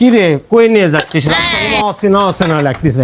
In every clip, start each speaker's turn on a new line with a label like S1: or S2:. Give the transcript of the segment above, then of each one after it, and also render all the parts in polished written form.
S1: কি রে কই নিয়ে যাচ্ছিস? রাস্তায় অচেনা অচেনা লাগতেছে।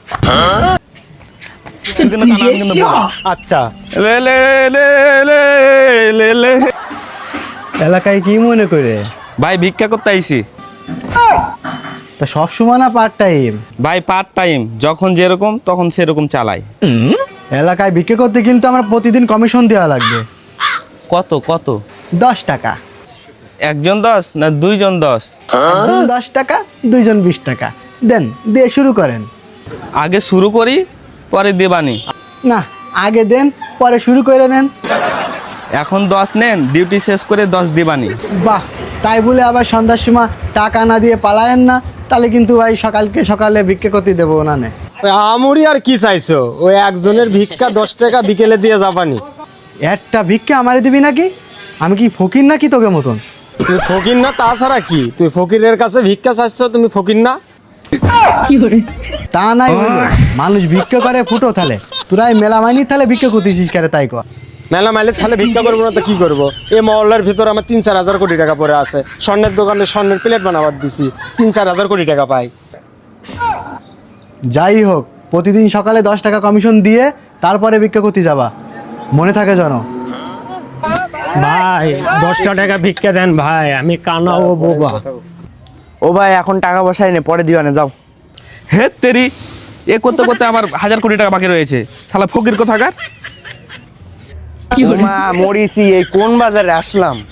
S1: আচ্ছা
S2: লে লে লে লে লে লে।
S3: এলাকায় কি মনে করে?
S2: ভাই ভিক্ষা করতে আইছি।
S3: তা সব সময় না পার্ট টাইম?
S2: ভাই পার্ট টাইম, যখন যেরকম তখন সেরকম চালাই।
S3: এলাকায় বিক্রি করতে কিন্তু আমার প্রতিদিন কমিশন দেওয়া লাগবে।
S2: কত কত?
S3: 10 টাকা।
S2: একজন 10 না দুইজন 10?
S3: একজন 10 টাকা, দুইজন 20 টাকা। দেন, দিয়ে শুরু করেন।
S2: আগে শুরু করি পরে দেবানি।
S3: না, আগে দেন পরে শুরু করে নেন।
S2: এখন 10 নেন, ডিউটি শেষ করে 10 দেবানি।
S3: বাহ, তাই বলে আবার সন্ধ্যার সময় টাকা না দিয়ে পালায়েন না, তাহলে কিন্তু ভাই সকালে ভিক্ষা করতে দেবো না।
S1: ওই আমরি আর কি চাইছো? ওই একজনের ভিক্ষা 10 টাকা বিকেলে দিয়ে যাবানি।
S3: একটা ভিক্ষা আমারে দিবি নাকি? আমি কি ফকির নাকি তোকে মতন?
S1: তুই ফকির না, তাছাড়া কি? তুই ফকিরের কাছে ভিক্ষা চাইছো, তুমি ফকির না?
S3: তা নাই বলবো, মানুষ ভিক্ষা করে ফুটো থালে, তোরাই মেলা মাইনি থালে ভিক্ষা করতেছিস কেন তাই কর?
S1: মেলা মাইলে তাহলে ভিক্ষা করবো না তো কি করবো? এই মহল্লার ভিতর আমার 3-4 হাজার কোটি টাকা পড়ে আছে। স্বর্ণের দোকানে স্বর্ণের প্লেট বানাবার দিছি, 3-4 হাজার কোটি টাকা পাই।
S3: যাই হোক, প্রতিদিন সকালে 10 টাকা কমিশন দিয়ে তারপরে ভিক্ষা করতে যাবা, মনে থাকে জানো?
S1: ভাই 10 টাকা ভিক্ষা দেন ভাই, আমি কানা ও বোবা।
S4: ও ভাই এখন টাকা পয়সা এনে পরে দিও না, যাও।
S2: হে তেরি, এ করতে করতে আমার 1000 কোটি টাকা বাকি রয়েছে। শালা ফকির কোথাকার।
S4: মা মরিছি, এই কোন বাজারে আসলাম।